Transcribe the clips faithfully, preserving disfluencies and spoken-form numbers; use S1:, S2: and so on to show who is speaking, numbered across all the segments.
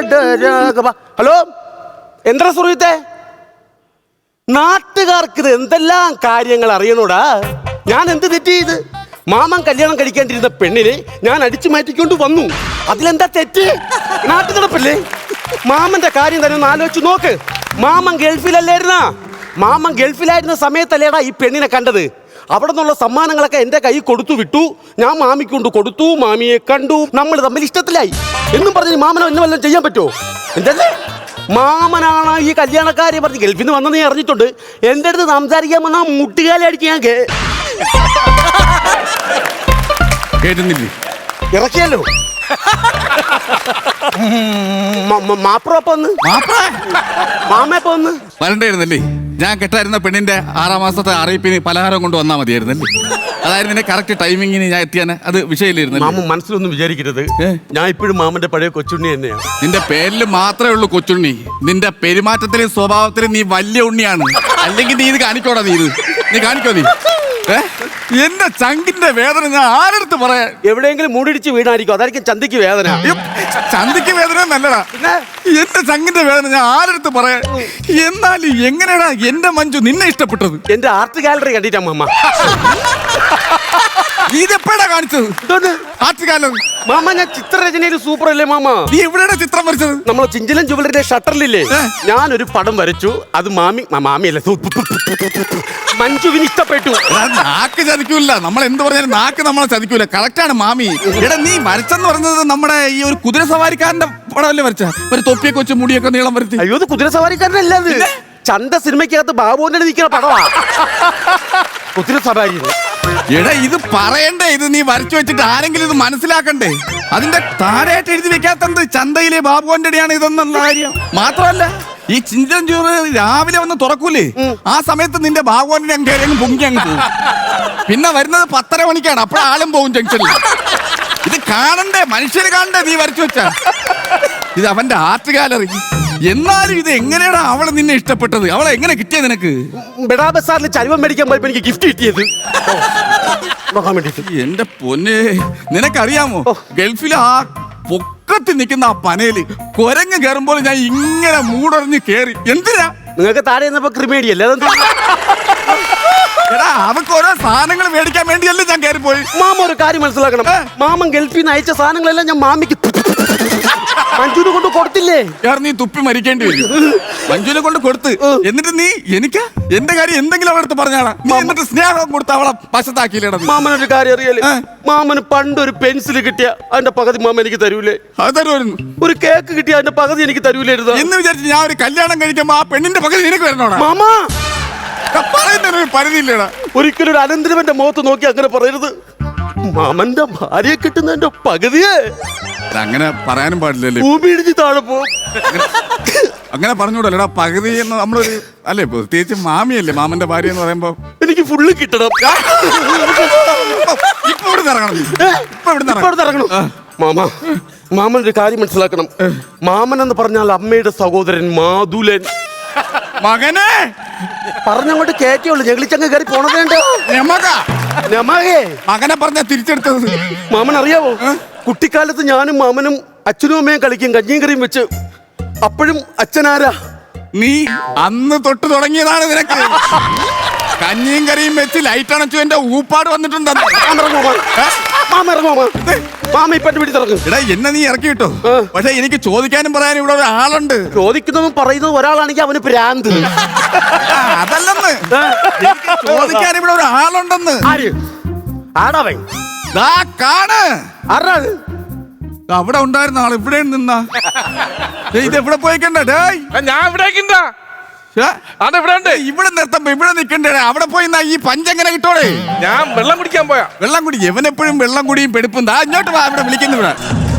S1: Hello, എന്താ സുഹൃത്തെ? നാട്ടുകാർക്ക് ഇത് എന്തെല്ലാം കാര്യങ്ങൾ അറിയണോടാ. ഞാൻ എന്ത് തെറ്റ് ചെയ്ത്? മാമൻ കല്യാണം കഴിക്കേണ്ടിരുന്ന പെണ്ണിനെ ഞാൻ അടിച്ചു മാറ്റിക്കൊണ്ട് വന്നു. അതിലെന്താ തെറ്റ്? നാട്ടു നടപ്പല്ലേ? മാമന്റെ കാര്യം തന്നെ ഒന്ന് ആലോചിച്ച് നോക്ക്. മാമൻ ഗൾഫിലല്ലായിരുന്ന മാമൻ ഗൾഫിലായിരുന്ന സമയത്തല്ലേടാ ഈ പെണ്ണിനെ കണ്ടത്. അവിടെ നിന്നുള്ള സമ്മാനങ്ങളൊക്കെ എൻ്റെ കൈ കൊടുത്തു വിട്ടു. ഞാൻ മാമിക്ക് കൊണ്ട് കൊടുത്തു, മാമിയെ കണ്ടു, നമ്മൾ തമ്മിൽ ഇഷ്ടത്തിലായി എന്നും പറഞ്ഞ് മാമനോ എന്നെ വല്ലതും ചെയ്യാൻ പറ്റുമോ? എന്തല്ലേ മാമനാണ് ഈ കല്യാണക്കാരെ പറഞ്ഞ് ഗൾഫിൽ നിന്ന് വന്നെന്ന് അറിഞ്ഞിട്ടുണ്ട്. എൻ്റെ അടുത്ത് സംസാരിക്കാൻ വന്നാൽ മുട്ടുകാലി അടിച്ച് ഞാൻ
S2: കേട്ടുന്നില്ലേ?
S1: ഇറക്കിയല്ലോ. മാപ്രപ്പ ഒന്ന് മാമയപ്പ ഒന്ന്
S2: വരണ്ടായിരുന്നല്ലേ? ഞാൻ കെട്ടായിരുന്ന പെണ്ണിന്റെ ആറാം മാസത്തെ അറിയിപ്പിന് പലഹാരം കൊണ്ട് വന്നാൽ മതിയായിരുന്നല്ലേ? അതായിരുന്നു എന്നെ കറക്റ്റ് ടൈമിങ്ങിന് ഞാൻ എത്തിയാൻ. അത് വിഷയമില്ലായിരുന്നു.
S1: മാമ മനസ്സിലൊന്നും വിചാരിക്കരുത്, ഞാൻ ഇപ്പോഴും മാമന്റെ പഴയ കൊച്ചുണ്ണി തന്നെയാണ്.
S2: നിന്റെ പേരിൽ മാത്രമേ ഉള്ളൂ കൊച്ചുണ്ണി. നിന്റെ പെരുമാറ്റത്തിലും സ്വഭാവത്തിലും നീ വലിയ ഉണ്ണിയാണ്. അല്ലെങ്കിൽ നീ ഇത് കാണിക്കോടാ. നീ ഇത് നീ കാണിക്കോ? നീ എന്റെ ചങ്കിന്റെ വേദന ഞാൻ ആരെടുത്ത് പറയാ?
S1: എവിടെയെങ്കിലും മൂടിടിച്ച് വീണായിരിക്കും, അതായിരിക്കും ചന്തിക്ക് വേദന.
S2: ചന്തിക്ക് വേദന നല്ലടാ. എന്റെ ചങ്കിന്റെ വേദന ഞാൻ ആരെടുത്ത് പറയാ? എന്നാലും എങ്ങനെയാടാ എന്റെ മഞ്ജു നിന്നെ ഇഷ്ടപ്പെട്ടത്?
S1: എന്റെ ആർട്ട് ഗാലറി കണ്ടിട്ടാ മാമ.
S2: ഇതെപ്പോഴാ കാണിച്ചത്? ആർട്ട് ഗാലറി
S1: മാമ, ഞാൻ ചിത്രരചനയിൽ സൂപ്പർ അല്ലേ മാമ?
S2: നീ എവിടെയാണ് ചിത്രം വരച്ചത്?
S1: നമ്മളെ ചിഞ്ചലൻ ജുവലറിയുടെ ഷട്ടറിലില്ലേ, ഞാനൊരു പടം വരച്ചു. അത് മാമി മാമിയല്ല മഞ്ജുവിന് ഇഷ്ടപ്പെട്ടു.
S2: നാക്ക് ചതിക്കൂല. നമ്മൾ എന്ത് പറഞ്ഞാലും നാക്ക് നമ്മളെ ചതിക്കൂല. കറക്റ്റാണ് മാമി. എടാ നീ വരച്ചെന്ന് പറഞ്ഞത് നമ്മുടെ ഈ ഒരു കുതിര സവാരിക്കാരന്റെ പടമല്ലേ വരച്ച? ഒരു തൊപ്പിയൊക്കെ വെച്ച് മുടിയൊക്കെ നീളം വരച്ച്.
S1: അയ്യോ, ഇത് കുതിര സവാരിക്കാരനല്ല, അത് ചന്ത സിനിമയ്ക്കകത്ത് ബാബുവിന്റെ നിൽക്കുന്ന പടവാ കുതിര സവാരി.
S2: എടാ ഇത് പറയണ്ടേ? ഇത് നീ വരച്ചു വെച്ചിട്ട് ആരെങ്കിലും ഇത് മനസ്സിലാക്കണ്ടേ? അതിന്റെ താഴെയായിട്ട് എഴുതി വെക്കാത്തത് ചന്തയിലെ ബാബുവിന്റെ അടിയാണ് ഇതെന്നുള്ള കാര്യം. മാത്രമല്ല ഈ ചിന്തൻ ചോറ് രാവിലെ വന്ന് തുറക്കൂലേ, ആ സമയത്ത് നിന്റെ ബാബുവിന്റെ അങ്ങ് പൊങ്ങി അങ്ങ് പോകും. പിന്നെ വരുന്നത് പത്തര മണിക്കാണ്. അപ്പോഴാളും പോകും ജംഗ്ഷനിൽ. ഇത് കാണണ്ടേ? മനുഷ്യര് കാണണ്ടേ നീ വരച്ചു വെച്ച? ഇത് അവന്റെ ആർട്ട് ഗാലറി. എന്നാലും ഇത് എങ്ങനെയാണ് അവളെ നിന്നെ ഇഷ്ടപ്പെട്ടത്? അവളെ എങ്ങനെ കിട്ടിയത് നിനക്ക്?
S1: ബെഡാ ബസാറിൽ ചരുവം മേടിക്കാൻ പോയപ്പോ എനിക്ക് ഗിഫ്റ്റ് കിട്ടിയത്.
S2: എന്റെ പൊന്നെ, നിനക്കറിയാമോ ഗൾഫിലെ ആ പൊക്കത്തിൽ നിൽക്കുന്ന ആ പനയില് കൊരങ്ങ് കയറുമ്പോൾ ഞാൻ ഇങ്ങനെ മൂടറിഞ്ഞ് കേറി. എന്തിനാ?
S1: നിങ്ങൾക്ക് താഴെ നിന്നപ്പോ ക്രിമേഡിയല്ലേ?
S2: എടാ അവക്ക് ഓരോ സാധനങ്ങൾ മേടിക്കാൻ വേണ്ടിയല്ലേ ഞാൻ കയറിപ്പോയി.
S1: മാമ ഒരു കാര്യം മനസ്സിലാക്കണം. മാമൻ ഗൾഫിൽ നിന്ന് അയച്ച സാധനങ്ങളെല്ലാം ഞാൻ മാമിക്ക് മഞ്ജുവിനെ കൊണ്ട് കൊടുത്തില്ലേ?
S2: നീ തുപ്പി മരിക്കേണ്ടി വരും. മഞ്ജുവിനെ കൊണ്ട് കൊടുത്ത് എന്നിട്ട് നീ എനിക്ക് എന്റെ കാര്യം എന്തെങ്കിലും അവളടുത്ത് പറഞ്ഞാടാ. നീ എന്നിട്ട് സ്നേഹം കൊടുത്ത് അവളെ വശത്താക്കിയില്ലേടാ.
S1: മാമനൊരു കാര്യം അറിയാലേ? മാമന് പണ്ടൊരു പെൻസിൽ കിട്ടിയ അതിന്റെ പകുതി മാമ എനിക്ക് തരൂലേ?
S2: അത് തരുമായിരുന്നു.
S1: ഒരു കേക്ക് കിട്ടിയ അതിന്റെ പകുതി എനിക്ക് തരൂലായിരുന്നു
S2: എന്ന് വിചാരിച്ച് ഞാൻ ഒരു കല്യാണം കഴിക്കുമ്പോ ആ പെണ്ണിന്റെ പകുതി നിനക്ക് വരണോടാ?
S1: മാമ
S2: പറയുന്നൊരു പരിധിയില്ലേടാ.
S1: ഒരിക്കലും ഒരു അനന്തരവന്റെ മുഖത്ത് നോക്കി അങ്ങനെ പറയരുത്. മാമന്റെ ഭാര്യയെ കിട്ടുന്നതിന്റെ പകുതിയെ
S2: അങ്ങനെ പറയാനും പാടില്ലല്ലേ?
S1: ഭൂമി ഇടിച്ച് താഴെ പോകും.
S2: അങ്ങനെ പറഞ്ഞൂടല്ലേടാ. പകുതി എന്ന് നമ്മളൊരു അല്ലേ, പ്രത്യേകിച്ച് മാമിയല്ലേ മാമന്റെ ഭാര്യ എന്ന് പറയുമ്പോ
S1: എനിക്ക് ഫുള്ള് കിട്ടണം.
S2: ഇപ്പൊ ഇവിടെ ഇറങ്ങണം. ഇപ്പൊ ഇവിടെ ഇറങ്ങണം.
S1: മാമ, മാമൻ ഒരു കാര്യം മനസ്സിലാക്കണം. മാമൻ എന്ന് പറഞ്ഞാൽ അമ്മയുടെ സഹോദരൻ മാതുലൻ.
S2: മകനെ
S1: പറഞ്ഞങ്ങോട്ട് കേറ്റുള്ളൂ, ഞങ്ങളിച്ചങ്ങ് കയറി പോണതേണ്ട.
S2: മകനെ പറഞ്ഞ തിരിച്ചെടുത്തത്
S1: മാമൻ അറിയാവോ? കുട്ടിക്കാലത്ത് ഞാനും മാമനും അച്ഛനും അമ്മയും കളിക്കും കഞ്ഞിയും കറിയും വെച്ച്. അപ്പോഴും അച്ഛനാരാ?
S2: നീ അന്ന് തൊട്ട് തുടങ്ങിയതാണ് നിനക്ക്. കഞ്ഞിയും കറിയും വെച്ച് ലൈറ്റ് അണച്ചു എന്റെ ഊപ്പാട് വന്നിട്ടുണ്ട്.
S1: എടാ
S2: എന്നെ നീ ഇറക്കി കിട്ടോ. പക്ഷെ എനിക്ക് ചോദിക്കാനും പറയാനും ഇവിടെ ഒരാളുണ്ട്.
S1: ചോദിക്കുന്നതും പറയുന്നതും ഒരാളാണെങ്കിൽ അവന് പ്രാന്ത്.
S2: അതല്ലെന്ന്, ചോദിക്കാൻ ഇവിടെ ഒരാളുണ്ടെന്ന്.
S1: ആടാവൻ
S2: കാണ്.
S1: ആരാത്?
S2: അവിടെ ഉണ്ടായിരുന്ന ആൾ ഇവിടെ നിന്നാ. ഇത് എവിടെ പോയിക്കണ്ടേ?
S3: ഞാൻ ഇവിടെ
S2: ഇവിടെ നിർത്തുമ്പോ ഇവിടെ നിൽക്കണ്ടേ? അവിടെ പോയി ഈ പഞ്ചെങ്ങനെ കിട്ടോടെ?
S3: ഞാൻ വെള്ളം കുടിക്കാൻ പോയാ.
S2: വെള്ളം കുടി എവനെപ്പോഴും വെള്ളം കുടിയും പെടുപ്പും. ദാ ഇങ്ങോട്ട് വാ, ഇവിടെ വിളിക്കുന്നു. ഇവിടെ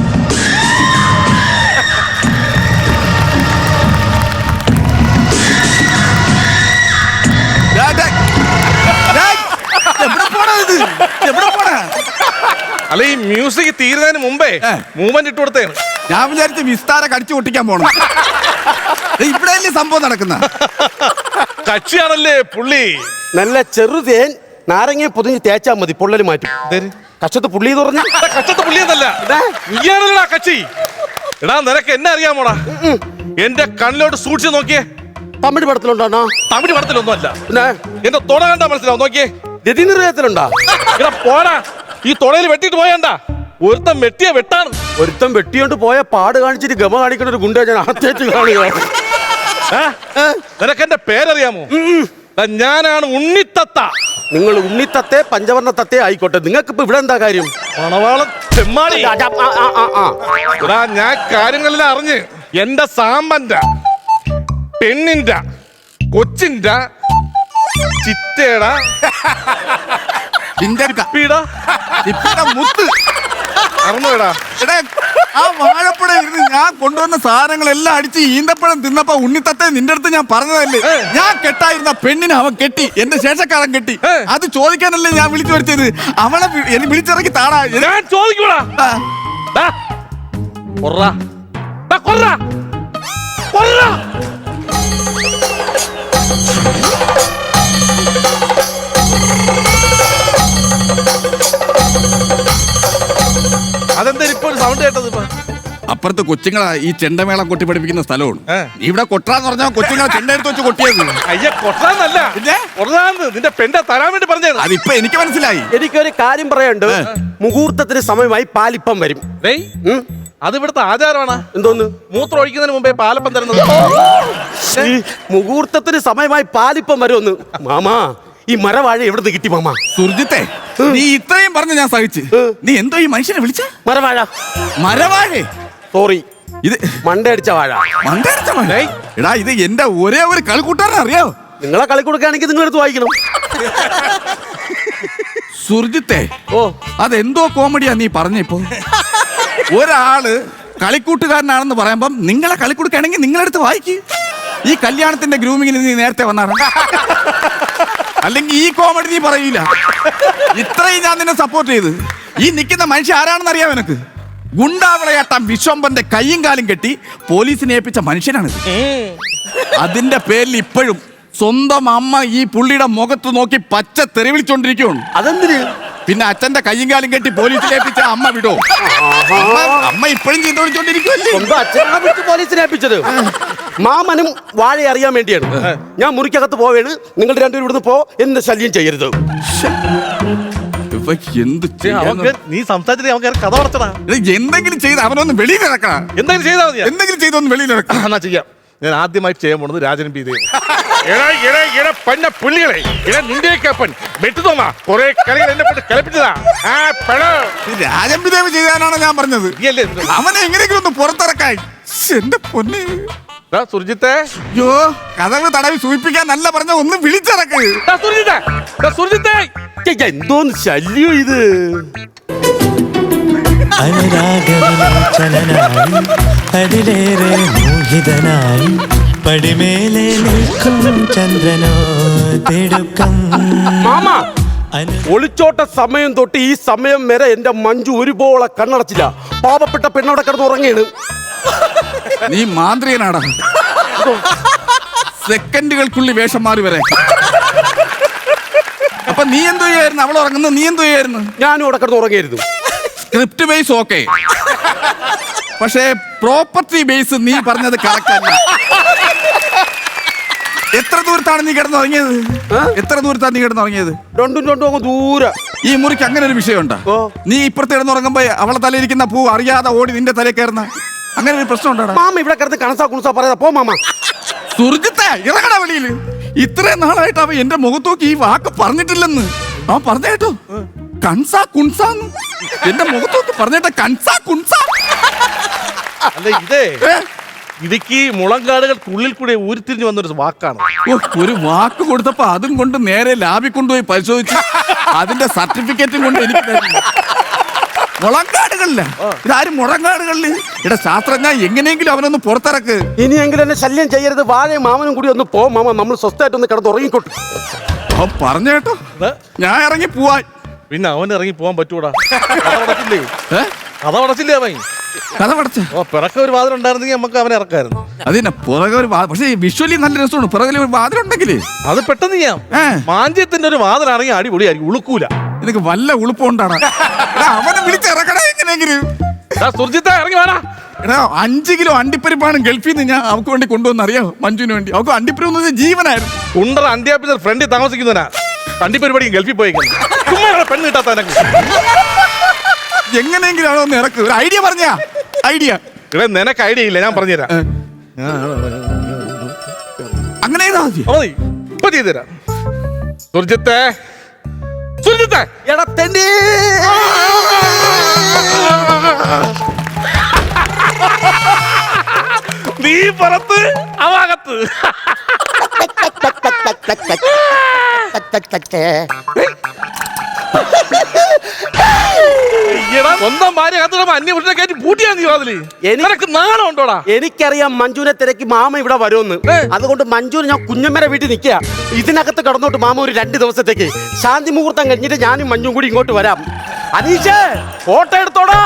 S3: അല്ല ഈ മ്യൂസിക് തീരുന്നതിന് മുമ്പേ മൂവ്മെന്റ് ഇട്ട് കൊടുത്തേണ്.
S2: ഞാൻ വിചാരിച്ച വിസ്താര കടിച്ചു പൊട്ടിക്കാൻ പോണം. ഇവിടെ സംഭവം നടക്കുന്ന
S3: കക്ഷിയാണല്ലേ പുള്ളി.
S1: നല്ല ചെറുതേൻ നാരങ്ങ പൊതിഞ്ഞ് തേച്ചാ മതി, പൊള്ളല് മാറ്റും. കച്ചത്ത് പുള്ളി എന്ന് പറഞ്ഞ
S3: കച്ചത്ത് പുള്ളി എന്നല്ല, നീയാണല്ലോ കക്ഷി. എടാ നിനക്ക് എന്നെ അറിയാമോടാ? എന്റെ കണ്ണിലോട്ട് സൂക്ഷിച്ച് നോക്കിയേ.
S1: തമിഴ് പടത്തിലുണ്ടോ?
S3: തമിഴ് പടത്തിലൊന്നും അല്ല.
S1: പിന്നെ
S3: എന്റെ തുട കണ്ടാ മനസ്സിലാവും, നോക്കിയേ.
S1: രതി നിർവേദത്തിലുണ്ടോ?
S3: ഇവിടെ പോടാ, ഈ തുടയിൽ വെട്ടിട്ട് പോയണ്ട. ഒരുത്തൻ വെട്ടിയ വെട്ടാണ്.
S1: ഒരുത്തം വെട്ടിയോണ്ട് പോയ പാട് കാണിച്ചിട്ട് ഗമ കാണിക്കുന്ന ഒരു ഗുണ്ട ഞാൻ ആദ്യമായിട്ട് കാണുക.
S3: നിനക്ക് എന്റെ പേരറിയാമോ? ഞാനാണ് ഉണ്ണിത്തത്ത.
S1: നിങ്ങൾ ഉണ്ണിത്തത്തെ പഞ്ചവർണ്ണ തത്തെ ആയിക്കോട്ടെ, നിങ്ങൾക്ക് ഇപ്പൊ ഇവിടെ എന്താ കാര്യം?
S3: പണവാളം ചെമ്മാടി.
S1: ആ, ആ, ആ, ആ.
S3: എടാ ഞാൻ കാര്യങ്ങളെല്ലാം അറിഞ്ഞ് എന്റെ സാമ്പന്റെ, പെണ്ണിന്റെ, കൊച്ചിന്റെ, ചിറ്റേടാ, ചിപ്പിടാ,
S2: ചിപ്പിയുടെ മുത്ത്
S3: അറിഞ്ഞോടാ.
S2: എടാ, ആ വാഴപ്പഴ ഇരുന്ന് ഞാൻ കൊണ്ടുവന്ന സാധനങ്ങളെല്ലാം അടിച്ച് ഈന്തപ്പഴം തിന്നപ്പോ ഉണ്ണിത്തത്തെ നിന്റെ അടുത്ത് ഞാൻ പറഞ്ഞതല്ലേ, ഞാൻ കെട്ടായിരുന്ന പെണ്ണിനെ അവൻ കെട്ടി, എന്റെ ശേഷക്കാരൻ കെട്ടി. അത് ചോദിക്കാനല്ലേ ഞാൻ വിളിച്ചു വരുത്തിയത്. അവളെ വി- എന്നെ വിളിച്ചിറക്കി താടാ.
S3: ഞാൻ ചോദിക്കൂടാ.
S2: ആ,
S3: ദാ, കൊർറാ. ദാ, കൊർറാ. കൊർറാ. അതെന്താ ഇപ്പൊ ഒരു സൗണ്ട് കേട്ടത്? ഇപ്പൊ
S2: അപ്പുറത്ത് കൊച്ചുങ്ങളാ ഈ ചെണ്ടമേളം കൊട്ടി പഠിപ്പിക്കുന്ന സ്ഥലമാണ്.
S3: ഏ.
S2: ഇവിടെ കൊട്ടാന്ന് പറഞ്ഞാൽ കൊച്ചുങ്ങളെ ചെണ്ട എടുത്ത് വെച്ച് കൊട്ടിയത്.
S3: അയ്യ കൊട്ടാന്നല്ല,
S2: പിന്നെ?
S3: കൊറതാന്ന് നിന്റെ പെണ്ടെ തരാൻ വേണ്ടി പറഞ്ഞാണ്.
S2: അതിപ്പോ എനിക്ക് മനസ്സിലായി.
S1: എനിക്കൊരു കാര്യം പറയാനുണ്ട്. മുഹൂർത്തത്തിന് സമയമായി പാലിപ്പം വരും.
S3: ഡേയ്,
S1: ഉം.
S3: അത് ഇവിടുത്തെ ആചാരമാണ്.
S1: എന്തോന്ന്?
S3: മൂത്രം ഒഴിക്കുന്നതിന് മുമ്പേ പാലപ്പം തരുന്നത്.
S1: ഈ മുഹൂർത്തത്തിന് സമയമായി പാലിപ്പം വരുമെന്ന്. മാമാ, ഈ മരവാഴ എവിടുന്ന് കിട്ടി മാമാ?
S2: സുർജിത്തെ, നീ ഇത്രയും പറഞ്ഞ് ഞാൻ സഹിച്ച്. നീ എന്തോ ഈ മനുഷ്യനെ വിളിച്ച
S1: മരവാഴ.
S2: മരവാഴേ?
S1: സോറി,
S2: ഇത്
S1: മണ്ടയടിച്ച വാഴ.
S2: മണ്ടടിച്ച മഴ. എടാ, ഇത് എന്റെ ഒരേ ഒരു കളിക്കൂട്ടാരൻ, അറിയാവോ?
S1: നിങ്ങളെ കളി കൊടുക്കുകയാണെങ്കിൽ നിങ്ങൾ എടുത്ത് വായിക്കണം.
S2: സുർജിത്തെ,
S1: ഓ,
S2: അതെന്തോ കോമഡിയാ നീ പറഞ്ഞപ്പോ. ഒരാള് കളിക്കൂട്ടുകാരനാണെന്ന് പറയുമ്പം നിങ്ങളെ കളിക്കൊടുക്കുകയാണെങ്കിൽ നിങ്ങളെടുത്ത് വായിക്ക്. ഈ കല്യാണത്തിന്റെ ഗ്രൂമിങ്ങിന് നീ നേരത്തെ വന്നാണ്, അല്ലെങ്കിൽ ഈ കോമഡി നീ പറയൂല. ഇത്രയും ഞാൻ നിന്നെ സപ്പോർട്ട് ചെയ്ത്. ഈ നിൽക്കുന്ന മനുഷ്യൻ ആരാണെന്ന് അറിയാം എനക്ക്? ഗുണ്ടാവിളയാട്ടം വിശ്വംബന്റെ കയ്യും കാലും കെട്ടി പോലീസിനെ ഏൽപ്പിച്ച മനുഷ്യനാണ്. അതിന്റെ പേരിൽ ഇപ്പോഴും സ്വന്തം അമ്മ ഈ പുള്ളിയുടെ മുഖത്ത് നോക്കി പച്ച തെറി വിളിച്ചോണ്ടിരിക്കുകയാണ്.
S1: അതെന്തിന്?
S2: പിന്നെ അച്ഛന്റെ കയ്യും കാലും കെട്ടി പോലീസിനെ ഏൽപ്പിച്ച അമ്മ വിടോ? അമ്മ- അമ്മ ഇപ്പോഴും ചീത്ത വിളിച്ചോണ്ടിരിക്കുവല്ലേ?
S1: സ്വന്തം അച്ഛനാണ് വിളിച്ച് പോലീസിനെ ഏൽപ്പിച്ചത്. മാമനും വാഴ അറിയാൻ വേണ്ടിയാണ്. ഞാൻ മുറിക്കകത്ത് പോവേണ്, നിങ്ങൾ രണ്ടുപേരും ഇവിടുന്ന് പോ, എന്നെ ശല്യം ചെയ്യരുത്.
S2: ഇപ്പൊ എന്ത്
S3: അവൻ
S2: ചെയ്യാന്ന്?
S3: കേ- നീ സംസാരിച്ചിട്ട് അവൻ കയറി കഥ പറച്ചടാ.
S2: എടാ, എന്തെങ്കിലും ചെയ്ത് അവനൊന്ന് വെളിയിൽ ഇറക്കണം.
S3: എന്തെങ്കിലും ചെയ്താൽ മതിയാ.
S2: എന്തെങ്കിലും ചെയ്തൊന്ന് വെളിയിൽ ഇറക്കണം.
S3: എന്നാ ചെയ്യാം. ഞാൻ ആദ്യമായിട്ട് ചെയ്യാൻ പോണത് രാജൻ പി ദേവ്. എടാ എടാ എടാ പന്ന പുള്ളികളെ, എടാ നിന്റെയൊക്കെ അപ്പൻ വെട്ടുതോമാ കുറെ കളികൾ എന്നെ കൊണ്ട് കളിപ്പിച്ചതാ. ആ പെടോ
S2: രാജംപിദേവ് ചെയ്താനാണ് ഞാൻ പറഞ്ഞത്.
S3: നീയല്ലേ ഇത്?
S2: അവനെ എങ്ങനെയെങ്കിലും ഒന്ന് പുറത്തിറക്കായി. എന്റെ പൊന്നെ.
S3: ദാ സുർജിത്തെ,
S2: അയ്യോ, കഥവ് തടവി സൂചിപ്പിക്കാൻ നല്ല പറഞ്ഞ ഒന്ന് വിളിച്ചിറക്ക്.
S3: ദാ സുർജിത്തെ, ദാ സുർജിത്തെ.
S1: ഛെ, എന്തോന്ന് ശല്യം ഇത്?
S4: അനുരാഗവിലോചനായി അതിലേറെ മോഹിതനായി പടിമേലെ നിൽക്കും ചന്ദ്രനോ തിടുക്കം.
S1: മാമ, ഒളിച്ചോട്ട സമയം തൊട്ട് ഈ സമയം വരെ എന്റെ മഞ്ജു ഒരുപോലെ കണ്ണടച്ചില്ല. പാവപ്പെട്ട പെണ്ണവിടെ കിടന്ന് ഉറങ്ങിയാണ്.
S2: നീ മാന്ത്രികനാടാ. സെക്കൻഡുകൾക്കുള്ളിൽ വേഷം മാറി വരെ. അപ്പൊ നീ എന്തോ ചെയ്യായിരുന്നു? അവൾ ഉറങ്ങുന്നു, നീ എന്തോ ചെയ്യായിരുന്നു?
S1: ഞാനും അവിടെ കിടന്ന് ഉറങ്ങിയായിരുന്നു.
S2: സ്ക്രിപ്റ്റ് ബേസ് ഓക്കെ, പക്ഷേ പ്രോപ്പർട്ടി ബേസ് നീ പറഞ്ഞത് കറക്റ്റ് അല്ല. എത്ര ദൂരത്താണ് നീ കിടന്നുറങ്ങിയത്? എത്ര ദൂരത്താണ് നീ കിടന്നുറങ്ങിയത്?
S1: രണ്ടും രണ്ടും അങ്ങ് ദൂരെ.
S2: ഈ മുറിക്ക് അങ്ങനെ ഒരു വിഷയമുണ്ടോ?
S1: ഓ.
S2: നീ ഇപ്പുറത്ത് കിടന്നുറങ്ങുമ്പോ അവളെ തലയിരിക്കുന്ന പൂ അറിയാതെ ഓടി നിന്റെ തലയിൽ കയറുന്ന അങ്ങനെ ഒരു പ്രശ്നം ഉണ്ടോ?
S1: മാമ ഇവിടെ കിടന്ന് കണസാ കുണസാ പറയാ. പോ മാമ.
S2: സുർജിത്തെ, ഇറങ്ങട വെളിയില്. ഇത്രയും നാളായിട്ട് അവൻ എന്റെ മുഖത്തോക്കി ഈ വാക്ക് പറഞ്ഞിട്ടില്ലെന്ന് അവൻ പറഞ്ഞേട്ടോ. കൺസാ കുൺസാന്ന് എന്റെ മുഖത്തോക്ക് പറഞ്ഞേട്ട. കൺസാ കുൺസാ.
S3: അല്ല ഇതേ
S2: ഏ?
S3: ഇടുക്കി മുളങ്കാടുകൾക്കുള്ളിൽ കൂടെ ഉരുത്തിരിഞ്ഞു വന്നൊരു വാക്കാണ്.
S2: ഓ, ഒരു വാക്ക് കൊടുത്തപ്പോ അതും കൊണ്ട് നേരെ ലാബിൽ കൊണ്ടുപോയി പരിശോധിച്ചു. അതിന്റെ സർട്ടിഫിക്കറ്റും കൊണ്ട് എനിക്ക് തരുന്നു. മുളങ്കാടുകളില്ല, ഇതാരും മുളങ്കാടുകളില്. ഇവിടെ ശാസ്ത്രജ്ഞ എങ്ങനെയെങ്കിലും അവനൊന്ന് പുറത്തിറക്ക്.
S1: ഇനിയെങ്കിലും എന്നെ ശല്യം ചെയ്യരുത്. വാഴയും മാമനും കൂടി ഒന്ന് പോ മാമ. നമ്മൾ സ്വസ്ഥമായിട്ട് ഒന്ന് കിടന്ന് ഉറങ്ങിക്കോട്ടെ.
S2: അവൻ പറഞ്ഞേട്ടോ, ഞാൻ ഇറങ്ങി പോവാൻ.
S3: പിന്നെ അവൻ ഇറങ്ങി പോകാൻ പറ്റൂടാ. കഥ അടച്ചില്ലേ?
S2: ഏ?
S3: കഥ അടച്ചില്ലേ അവൻ?
S2: കഥ പടച്ച
S3: ഓ, പിറക്ക ഒരു വാതിൽ ഉണ്ടായിരുന്നെങ്കിൽ നമുക്ക് അവനെ ഇറക്കായിരുന്നു.
S2: അതിനെ പുറകെ ഒരു വാ- പക്ഷേ വിഷ്വലി നല്ല രസമാണ്. പുറകിൽ ഒരു വാതിലുണ്ടെങ്കിലേ
S3: അത് പെട്ടെന്ന് ചെയ്യാം.
S2: ഏ.
S3: മാഞ്ചത്തിന്റെ ഒരു വാതിൽ ഇറങ്ങി അടിപൊളിയായിരിക്കും, ഉളുക്കൂല.
S2: നിനക്ക് വല്ല ഉളുപ്പുണ്ടാണ്. അവനെ വിളിച്ചിറക്കണേ എങ്ങനെയെങ്കിലും.
S3: സുർജിത്തെ ഇറങ്ങി വേണ.
S2: എടാ അഞ്ച് കിലോ അണ്ടിപ്പരിപ്പാണ് ഗൾഫിൽ നിന്ന് ഞാൻ അവൾക്ക് വേണ്ടി കൊണ്ടുവന്ന് അറിയാമോ? മഞ്ജുവിന് വേണ്ടി. അവൾക്ക് അണ്ടിപ്പരിപ്പ് ജീവനായിരുന്നു.
S3: കുണ്ടറ അന്ത്യാപ്പിന്റെ ഫ്രണ്ടിൽ താമസിക്കുന്നവനാ അണ്ടിപ്പരിപാടിക്കും ഗൾഫിൽ പോയേക്കുന്നു. ചുമ്മാ പെണ്ണ് കിട്ടാത്ത എനക്ക്.
S2: എങ്ങനെയെങ്കിലും ആണോ ഒന്ന് ഇറക്ക്. ഒരു ഐഡിയ പറഞ്ഞാ ഐഡിയ.
S3: ഇവിടെ നിനക്ക് ഐഡിയ ഇല്ല, ഞാൻ പറഞ്ഞുതരാം.
S2: അങ്ങനെ ചെയ്താ മതി.
S3: മതി, ഇപ്പൊ ചെയ്തുതരാം. സുർജിത്തെ, സുർജിത്തെ,
S1: എടാ തെണ്ടി.
S3: നീ പുറത്ത് അവാകത്ത്. സ്വന്തം ഭാര്യ കത്തിടുമ്പോ അന്യ വീട്ടിലെ കയറ്റി പൂട്ടിയാ നീ വാതില്. എനിക്ക് നാണം ഉണ്ടോടാ?
S1: എനിക്കറിയാം മഞ്ജുവിനെ തിരക്കി മാമ ഇവിടെ വരുമെന്ന്. അതുകൊണ്ട് മഞ്ജുവിന് ഞാൻ കുഞ്ഞമ്മരെ വീട്ടിൽ നിൽക്കുക. ഇതിനകത്ത് കിടന്നോട്ട് മാമ ഒരു രണ്ട് ദിവസത്തേക്ക് ശാന്തി മുഹൂർത്തം കഴിഞ്ഞിട്ട് ഞാനും മഞ്ജും കൂടി ഇങ്ങോട്ട് വരാം. അനീഷേ ഫോട്ടോ എടുത്തോടാ.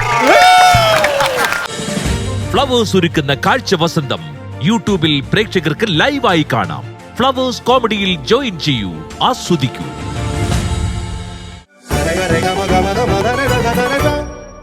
S5: ഫ്ലവേഴ്സ് ഒരുക്കുന്ന കാഴ്ച വസന്തം യൂട്യൂബിൽ പ്രേക്ഷകർക്ക് ലൈവായി കാണാം. ഫ്ലവേഴ്സ് കോമഡിയിൽ ജോയിൻ ചെയ്യൂ, ആസ്വദിക്കൂ.